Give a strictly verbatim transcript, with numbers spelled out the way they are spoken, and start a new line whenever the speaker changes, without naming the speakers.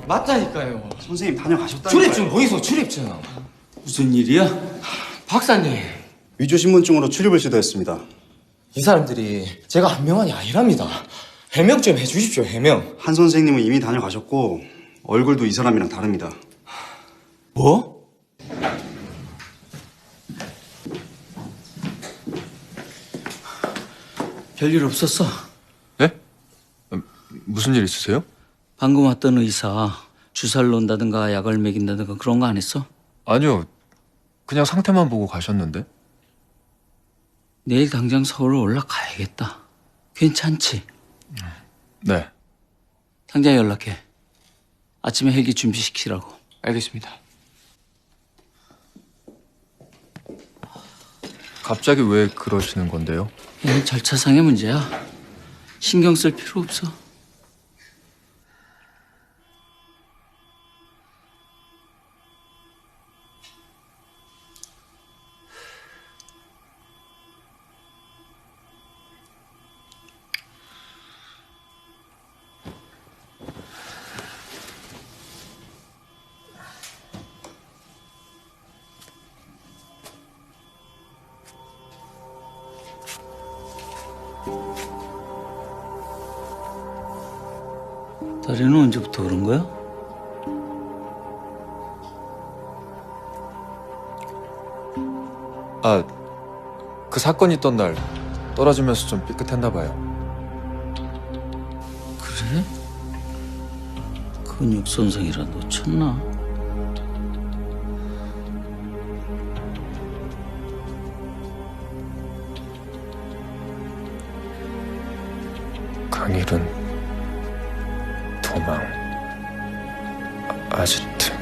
맞다니까요.
선생님 다녀가셨다니까요.
출입증 보이소, 출입증.
무슨 일이야?
박사님,
위조 신분증으로 출입을 시도했습니다.
이 사람들이 제가 한 명만이 아니랍니다. 해명 좀 해주십시오, 해명.
한 선생님은 이미 다녀가셨고 얼굴도 이 사람이랑 다릅니다.
뭐? 별일 없었어?
네? 무슨 일 있으세요?
방금 왔던 의사 주사를 놓는다든가 약을 먹인다든가 그런 거 안 했어?
아니요. 그냥 상태만 보고 가셨는데.
내일 당장 서울 올라가야겠다. 괜찮지?
네.
당장 연락해. 아침에 헬기 준비시키라고.
알겠습니다.
갑자기 왜 그러시는 건데요?
이건 절차상의 문제야. 신경 쓸 필요 없어. 다리는 언제부터 그런 거야?
아, 그 사건 있던 날 떨어지면서 좀 삐끗했나 봐요.
그래? 근육 손상이라 놓쳤나?
강일은 도망 아, 아지트